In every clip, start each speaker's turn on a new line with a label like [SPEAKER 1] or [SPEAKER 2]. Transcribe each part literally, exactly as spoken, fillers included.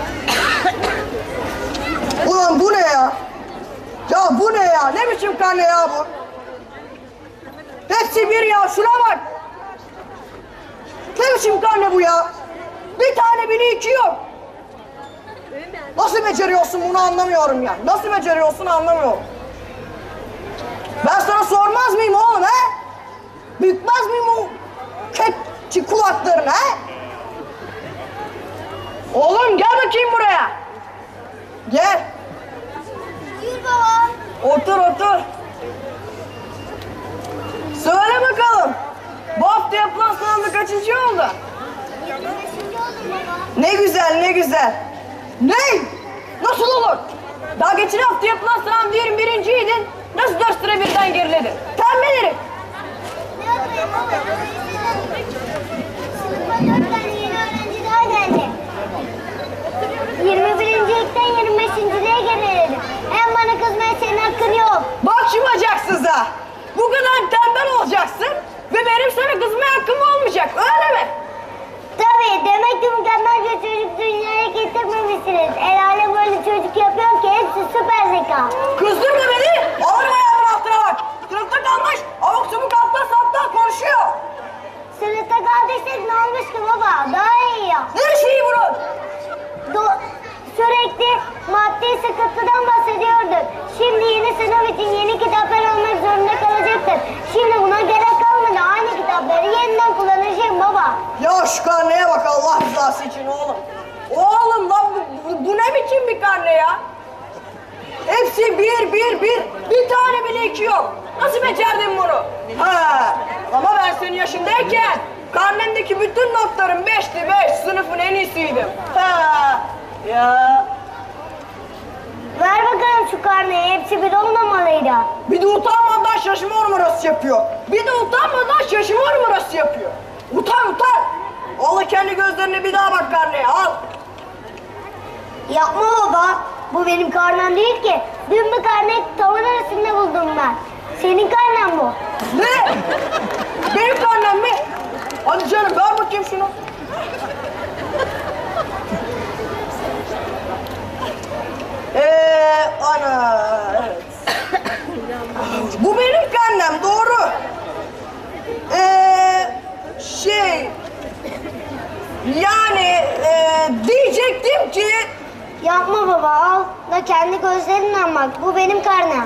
[SPEAKER 1] Ulan bu ne ya? Ya bu ne ya? Ne biçim karne ya bu? Hepsi bir ya, şuna bak! Ne biçim karne bu ya? Bir tane bile iki yok. Nasıl beceriyorsun bunu anlamıyorum ya. Nasıl beceriyorsun anlamıyorum. Ben sana sormaz mıyım oğlum he? Bükmez miyim o kekçi kulaklarını he? Oğlum gel bakayım buraya. Gel.
[SPEAKER 2] Buyur baba.
[SPEAKER 1] Otur otur. Söyle bakalım. Bu hafta yapılan sınavda kaçıncı oldu?
[SPEAKER 2] yirmi beşinci oldum baba.
[SPEAKER 1] Ne güzel ne güzel. Ne? Nasıl olur? Daha geçen hafta yapılan sınavda yirmi birinciydin. Nasıl dört sıra birden geriledin? Tembel herif.
[SPEAKER 2] Ne yapayım baba? Sınıfa dört tane yeni öğrenci daha geldi. yirmi birincilikten yirmi beşinciliğe geriledim. Hem bana kızmaya senin hakkın yok.
[SPEAKER 1] Bak şu bacaksıza. Bu kadar tembel olacaksın ve benim sana kızmaya hakkım olmayacak, öyle mi?
[SPEAKER 2] Tabii, demek ki mükemmel bir çocuk dünyaya getirmemişsiniz. El alem böyle çocuk yapıyor ki hepsi süper zeka.
[SPEAKER 1] Kızdırma beni, alırım ayağımın altına bak. Sınıfta kalmış, avuk subuk alttan saptan konuşuyor.
[SPEAKER 2] Sınıfta kaldıysak ne olmuş ki baba? Daha iyi ya.
[SPEAKER 1] Ne şeyi bunun?
[SPEAKER 2] Do- sürekli maddi sıkıntıdan bahsediyorduk. Şimdi yeni sınav için yeni kitaplar almak zorunda kalacaktır. Şimdi buna gerek kalmadı. Aynı kitapları yeniden kullanacağım baba.
[SPEAKER 1] Ya şu karneye bak Allah rızası için oğlum. Oğlum lan bu, bu, bu ne biçim bir karne ya? Hepsi bir, bir, bir. Bir tane bile iki yok. Nasıl becerdin bunu? Ha, ama ben senin yaşındayken karnemdeki bütün notlarım beşti beş. Sınıfın en iyisiydim. Ha, ya.
[SPEAKER 2] Ver bakalım şu karneyi. Hepsi bir olmamalıydı.
[SPEAKER 1] Bir de utanmadan şaşırma numarası yapıyor. Bir de utanmadan şaşırma numarası yapıyor. Utan utan. Al kendi gözlerine bir daha bak karneye al.
[SPEAKER 2] Yapma baba. Bu benim karnem değil ki. Dün bir karne tavan arasında buldum ben. Senin karnen bu.
[SPEAKER 1] Ne? Benim karnem mi? Hadi canım ver bakayım şunu. Eee ana evet. Bu benim karnem doğru. Eee şey yani eee, diyecektim ki
[SPEAKER 2] Yapma baba, al da kendi gözlerinle bak. Bu benim karnem.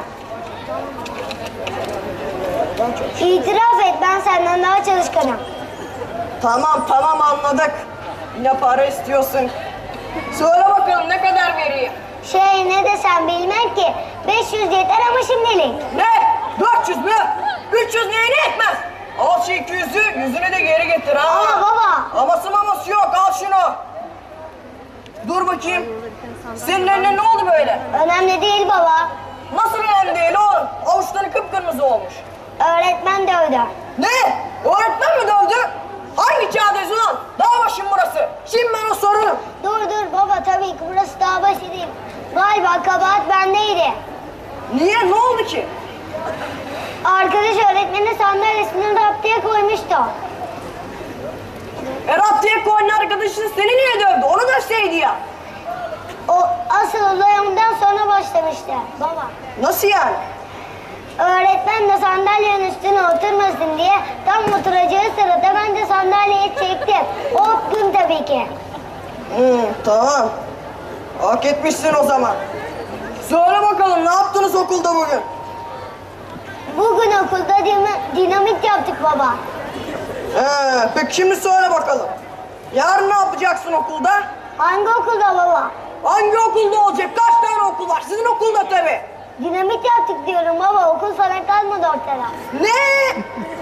[SPEAKER 2] İtiraf et, ben senden daha çalışkanım.
[SPEAKER 1] tamam tamam anladık. Yine para istiyorsun. Söyle bakalım ne kadar vereyim?
[SPEAKER 2] Şey, ne desem bilmem ki. beş yüz yeter ama şimdilik.
[SPEAKER 1] Ne? dört yüz mü? üç yüz neyine etmez? Al şu iki yüzü, yüzünü de geri getir ha.
[SPEAKER 2] Ama baba.
[SPEAKER 1] Aması maması yok, al şunu. Dur bakayım. Senin eline ne oldu böyle?
[SPEAKER 2] Önemli değil baba.
[SPEAKER 1] Nasıl önemli değil oğlum? Avuçları kıpkırmızı olmuş.
[SPEAKER 2] Öğretmen dövdü.
[SPEAKER 1] Ne? Öğretmen mi dövdü? Hangi çağdayız ulan? Dağ başım burası. Şimdi ben o sorarım.
[SPEAKER 2] Dur dur baba, tabii ki burası daha başı değil. Galiba kabahat bendeydi.
[SPEAKER 1] Niye? Ne oldu ki?
[SPEAKER 2] Arkadaş öğretmenin sandalyesini raptiye koymuştu.
[SPEAKER 1] E raptiye koyun arkadaşın seni niye dövdü? Onu dövseydi ya.
[SPEAKER 2] O asıl olay ondan sonra başlamıştı baba.
[SPEAKER 1] Nasıl yani?
[SPEAKER 2] Öğretmen de sandalyenin üstüne oturmasın diye tam oturacağı sırada ben de sandalyeyi çektim. O gün tabii ki.
[SPEAKER 1] Hmm, tamam. Hak etmişsin o zaman. Söyle bakalım ne yaptınız okulda bugün?
[SPEAKER 2] Bugün okulda dina- dinamit yaptık baba.
[SPEAKER 1] Ee, peki şimdi söyle bakalım. Yarın ne yapacaksın okulda?
[SPEAKER 2] Hangi okulda baba?
[SPEAKER 1] Hangi okulda olacak? Kaç tane okul var? Sizin okulda tabii.
[SPEAKER 2] Dinamit yaptık diyorum baba. Okul sana kalmadı ortada.
[SPEAKER 1] Ne?